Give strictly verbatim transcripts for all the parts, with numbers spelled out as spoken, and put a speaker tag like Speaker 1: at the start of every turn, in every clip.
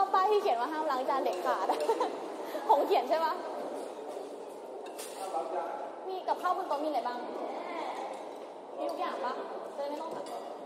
Speaker 1: ป้ายที่เขียนว่าห้ามล้างจานเด็กขาดผมเขียนใช่ปะมีกับข้าวบนโต๊ะมีอะไรบ้างมีทุกอย่างปะจะไม่ต้องสั่ง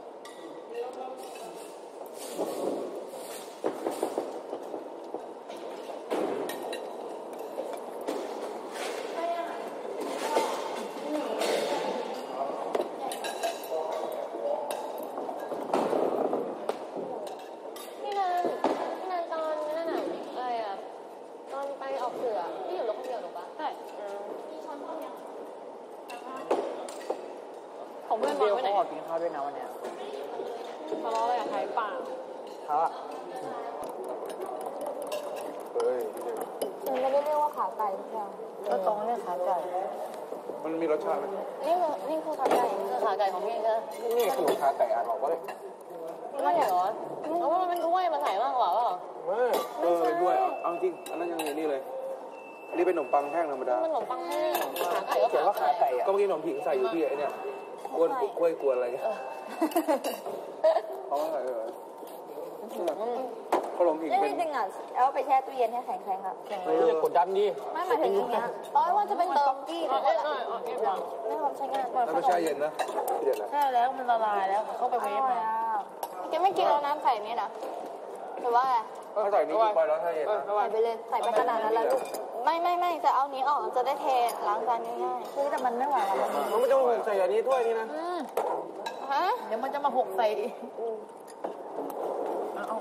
Speaker 2: ผมเพื่อนบอกไว้ไหนขอกินข้าวด้วยนะวันนี้ทะเลาะอะไรกับใครป่าเขาอะ
Speaker 3: เฮ้ย
Speaker 1: มันไม่ได้เรียกว่าขาไก่ทุกอย่าง
Speaker 2: ก็ตรงเรียกขาไก่
Speaker 3: มันมีรสชาติไหม
Speaker 1: นี่คือนี่คือขาไก่
Speaker 2: คือขาไก่ของพี่ใช่
Speaker 3: นี่ขนมขาไก่อ่านบอกว่าเลย
Speaker 2: ไม่เหรอเพราะว่ามันเป็นถ้วยมาใส่มากกว่าเปล่า
Speaker 3: ไม่เออเป็นด้วยเอาจริงอันนั้นยังไงนี่เลยอันนี้เป็นขนมปังแห้งธรรมดา
Speaker 2: ขนมปังแห้งขาไก่ก็
Speaker 3: เขียนว่าขาไก่อ่ะก็เมื่อกี้ขนมผิงใส่อยู่ที่ไอ้เนี่ยกวนกล้วยกวนอะไรเงี้ยเขาอะไรเหรอขนมผิงเป็น
Speaker 1: จริงๆอ่ะเอาไปแช่ตู้เย็นให้แข็งๆครับ
Speaker 3: เฮ้ยอย่ากดดันดิ
Speaker 1: ไม่หมายถึงอย่างเงี้ยอ๋อว่าจะเป็นเติมกี้
Speaker 2: หรือว่าอะไร
Speaker 1: ไม่ความใช้งาน
Speaker 3: แล้วไม่ใช่เย็นนะเย็นนะ
Speaker 2: ใช่แล้วมันละลายแล้วเข้าไปเวฟมา
Speaker 1: แกไม่กินแล้วน้ำใส่นี่นะหรือว่า
Speaker 3: ก็ใส่นี้ไปแล้วถ้าเย็นนะ
Speaker 1: ใส่ไปเลยใส่ไปขนาดนั้นแล้วลูกไม่ไม่ไม่จะเอานี้ออกจะได้เทล้างจานง่ายๆคือแต่มันไม่ไหวแล้ว
Speaker 3: มันไม่ต้องใส่อันนี้ถ้วยนี่นะ
Speaker 1: ฮะ
Speaker 2: เดี๋ยวมันจะมาหกใส่เอา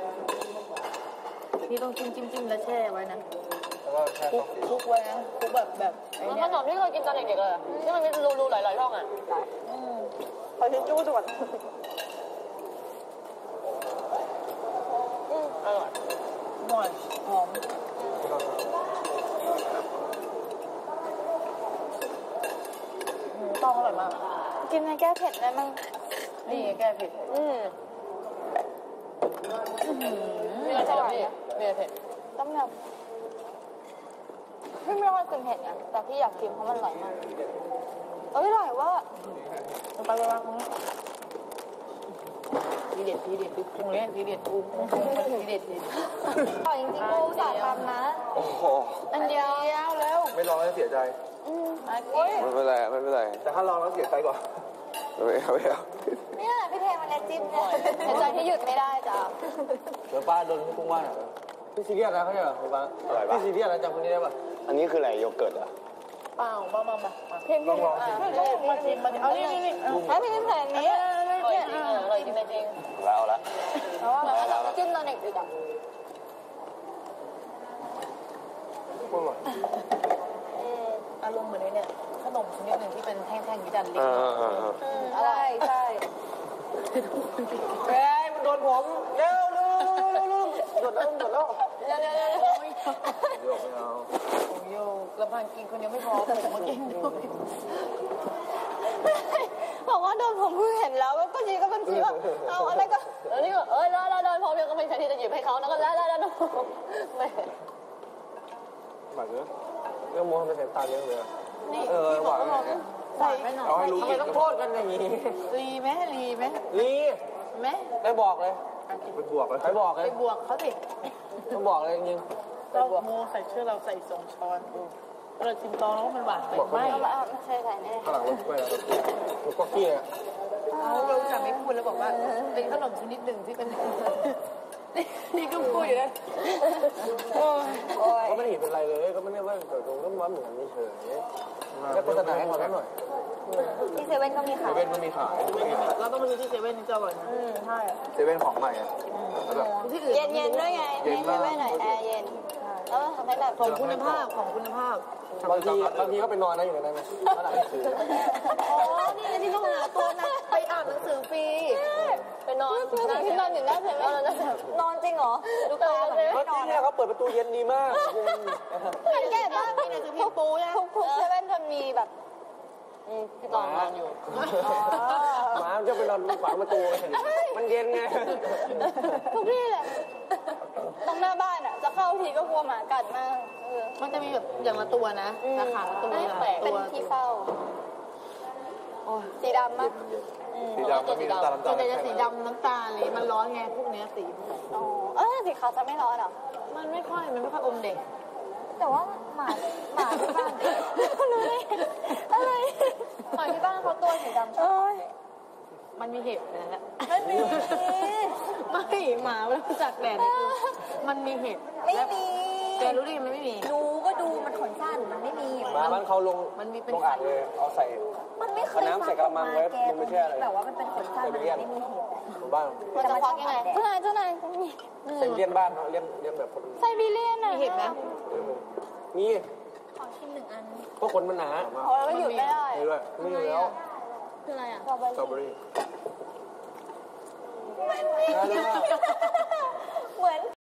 Speaker 2: พี่ต้องจิ้มจิ้มจิ้มแล้วแช่ไว้นะคุกคุกไว้นะคุกแบบแบบมันขนมที่เคยกินตอนเด็กๆเลยที่มันมีรูๆหลายๆช่องอ่ะ
Speaker 1: ขอชิ้นจู้ด่วน
Speaker 2: อร่อยหน่อยหอมหมูต้องอร่อยมาก
Speaker 1: กินในแก้เผ็ดได้มั้ง
Speaker 2: นี่แก้เผ็ดอืมมีอะไรเผ็ดพี่มีอะไรเผ็ด
Speaker 1: ต้มยำพี่ไม่ค่อยกินเผ็ดนะแต่พี่อยากกินเพราะมันอร่อยมากเอ้ยอร่อยว่า
Speaker 2: ไปไปวางตรงนี้ทีเด็ดทีเด็ดตรงนี้ทีเด็ดปูทีเด็ดที
Speaker 1: อร่อยจริงๆกูสาทำนะ
Speaker 3: โอ้โห
Speaker 1: อันเดียว
Speaker 2: แล้ว
Speaker 3: ไม่ลองแล้วเสียใจไม่เป็นไรไม่เป็นไรแต่ถ้าลองแล้วเสียใจกว่าไม่เอาไม่เอา
Speaker 1: เนี่ยพี่เทมันเลยจิ้มเนี่ยเสียใจที่หยุดไม่ได้จ้ะ
Speaker 3: เดี๋ยวป้าโดนกุ้งว่านพี่ซีเรียสนะเขาเนี่ยเหรอป้าพี่ซีเรียสนะจำคนนี้ได้ป่ะ
Speaker 4: อันนี้คืออะไรโยเกิร์ตอ่ะ
Speaker 2: เปล่ามามามา
Speaker 1: เพ่ง
Speaker 3: ลองลอง
Speaker 2: มาชิมมาเอานี่นี่นี่
Speaker 1: ให้พี่ใส่อันนี้
Speaker 2: อร่อยจริงอร่อยจริงจริง
Speaker 4: แล้วละ
Speaker 1: เพราะว่าเราจิ้มตอนเด็กๆอ่ะ
Speaker 2: อารมณ์เหมือนเนี่ยขนมชนิดหนึ่งที่เป็นแท่งๆที่ดันเล็ก
Speaker 1: ใช่ใช่
Speaker 3: เฮ้ยมันโดนผมเร็วเร็วเร็วเร็วโดนแล้วโดนแล้ว
Speaker 1: เร็วเร็วเร็ว
Speaker 3: โยกไม่เอา
Speaker 2: โยกระพันกินคนเดียวไม่พอผมมากินด้วย
Speaker 1: บอกว่าโดนผมเพิ่งเห็นแล้วก็จริงก็เป็นฟีว่าเอาอะไรก็
Speaker 2: แล้วนี่ก็เอ้ยแล้วแล้วโดนผมยังก็ไม่ใช่ที่จะหยิบให้เขาแล้วก็แล้วแล้วแล้วไม่
Speaker 3: หวานเยอะเรื่องม้วนเป็นเส้นตาเยอะเลยเออหวาน
Speaker 2: ใส่ไม่หน่อย
Speaker 3: เอาให้รู้ทำไมต้องโทษกันอย่างนี้
Speaker 2: รีไหมรีไหม
Speaker 3: รี
Speaker 2: ไหม
Speaker 3: ได้บอกเลยไปบวกเลยไปบอกเลย
Speaker 2: ไปบวกเขาสิ
Speaker 3: ต้องบอกเลยจริง
Speaker 2: เราโมใส่เชื่อเราใส่สองช้อนเราชิมตอนแล้วมันหวานไปไหม
Speaker 1: ไม่ใช่ใส่แน่
Speaker 3: ข้างหลังรถไปแล้วรถก็กี้อ่ะ
Speaker 2: เราจะไม่พูดแล้วบอกว่าเป็นขนมชนิดหนึ่งที่เป็นนี่ก็พูดอยู่นะ
Speaker 3: ก็ไม่เห็นเป็นไรเลยก็ไม่ได้ว่าตรงก็มันเหมือนนี่เฉยแค่โฆษณาให้เขาหน่อย
Speaker 1: ที่เซเว่นก็มีขาย
Speaker 3: เซเว่นก็มีขาย
Speaker 2: เราต้องมาดูที่เซเว่นนี่จะอร่อยนะ
Speaker 1: ใช่
Speaker 3: เซเว่นของใหม่อ่ะ
Speaker 1: เย็นเย็นด้วยไงในเซเว่นหน่อยแอร์เย็นแล้วทำให้แบบ
Speaker 2: ของคุณภาพของคุณภาพ
Speaker 3: บางทีบางทีก็ไปนอนนะอยู่ในนั้นเมื่อไหร่ซื้อ
Speaker 1: อ๋อนี่ที่ต้องหาตัวนะ
Speaker 2: ไปอ่านหนังสือฟรีไปนอน
Speaker 1: ที่นอนอยู่หน้าเซเว่นนอนจริงเหรอ
Speaker 2: ดูตาเลย
Speaker 3: จริงเนี่ยเขาเปิดประตูเย็นดีมาก
Speaker 1: สังเกตว่า
Speaker 2: พี่เนี่ยคือพี่ปูนะ
Speaker 1: ทุกเซเว่นจะมีแบบ
Speaker 2: พี่ตองนอนอยู่
Speaker 3: หมาจะไปนอนขวางประตูมันเย็นไง
Speaker 1: ทุกที่เลยตรงหน้าบ้านอ่ะจะเข้าทีก็กลัวหมากัดมาก
Speaker 2: มันจะมีแบบอย่างละตัวนะราคาละตัว
Speaker 1: เป็นที่เฝ้าสีดำมั้ย
Speaker 3: สีดำมันมีน้ำตาลน้ำ
Speaker 2: ส่
Speaker 3: ตา
Speaker 2: วน
Speaker 3: ล
Speaker 2: ใหญ่จะสีดำน้ำตาลเลยมันร้อนไงพวกเนี้ยสี
Speaker 1: อ๋อเออสีขาวจะไม่ร้อนเหรอ
Speaker 2: มันไม่ค่อยมันไม่ค่อยอมเด็ก
Speaker 1: แต่ว่าหมาหมาที่บ้านรู้ได้อะไรหมาที่บ้านเขาตัวสีดำใช่ไหม
Speaker 2: มันมีเห็บนั่นแหละ
Speaker 1: ไม่มี
Speaker 2: ไม่หมามันจากแดดเนี่ยคือมันมีเห็บ
Speaker 1: ไม่มี
Speaker 2: แกรู้ดิมันไม่มี
Speaker 1: ดูก็ดูมันขนสั้นมันไม่มี
Speaker 3: มาบ้านเขาลง
Speaker 2: มันมีเป็น
Speaker 3: ลงอ่างเลยเอาใส่
Speaker 1: มันไม่เคย
Speaker 3: เอาน้ำใส่กระมังไว้
Speaker 1: แก
Speaker 3: มันไม่ใช่อะไร
Speaker 1: แบบว่ามันเป็นขนสั้นมันไม่มีเห็บ
Speaker 3: อยู่บ้าน
Speaker 1: มันจะควักยังไงเจ้านายเจ้านาย
Speaker 3: ใส่เลี้ยนบ้านเนาะเลี้ยนเลี้ยนแบบคน
Speaker 1: ไซบีเรียนอ่ะ
Speaker 2: มีเห็บไหม
Speaker 3: มี
Speaker 1: ขอชิมหนึ่งอัน
Speaker 3: เพราะคนมันหนา
Speaker 1: เพราะเราหยุดไม่ได้
Speaker 3: มีด้วยมีอยู่แล้ว
Speaker 2: คืออะไรอ่ะ
Speaker 3: สตรอเบอรี่
Speaker 1: เหมือน